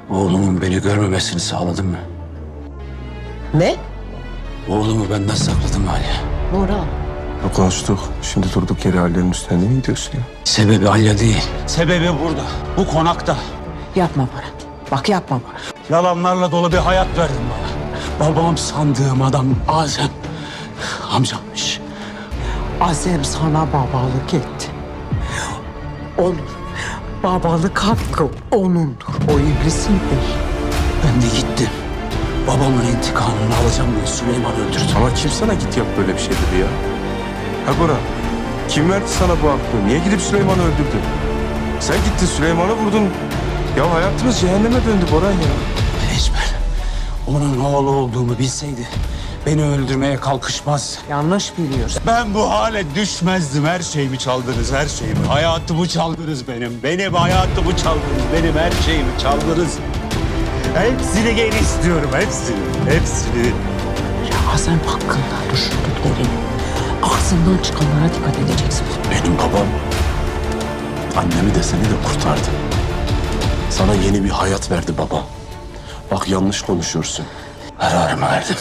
Oğlumun beni görmemesini sağladın mı? Ne? Oğlumu benden sakladın mı Ali? Nurhan. Konuştuk. Şimdi durduk yere Ali'nin üstüne niye gidiyorsun ya? Sebebi Alya değil. Sebebi burada. Bu konakta. Yapma Baran. Bak yapma Baran. Yalanlarla dolu bir hayat verdin bana. Babam sandığım adam Azem. Amcammış. Azem sana babalık etti. Onun babalık hakkı onundur. O iblisin değil. Ben de gittim. Babamın intikamını alacağım diye Süleyman öldürdüm. Ama kim sana git yap böyle bir şey dedi ya? Ha Bora, kim verdi sana bu aklı? Niye gidip Süleyman'ı öldürdün? Sen gittin Süleyman'ı vurdun. Ya hayatımız cehenneme döndü Boran ya. Ecber, onun oğlu olduğumu bilseydi beni öldürmeye kalkışmaz. Yanlış biliyorsun. Ben bu hale düşmezdim. Her şeyimi çaldınız, her şeyimi. Hayatımı çaldınız benim. Benim hayatımı çaldınız. Benim her şeyimi çaldınız. Hepsini geri istiyorum, hepsini. Hepsini. Ya Azem hakkında düşündüklerini, ağzından çıkanlara dikkat edeceksin. Benim babam annemi de seni de kurtardı. Sana yeni bir hayat verdi baba. Bak yanlış konuşuyorsun. Kararımı verdim.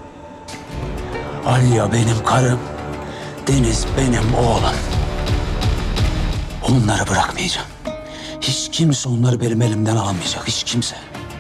Alya benim karım. Deniz benim oğlum. Onları bırakmayacağım. Hiç kimse onları benim elimden almayacak. Hiç kimse.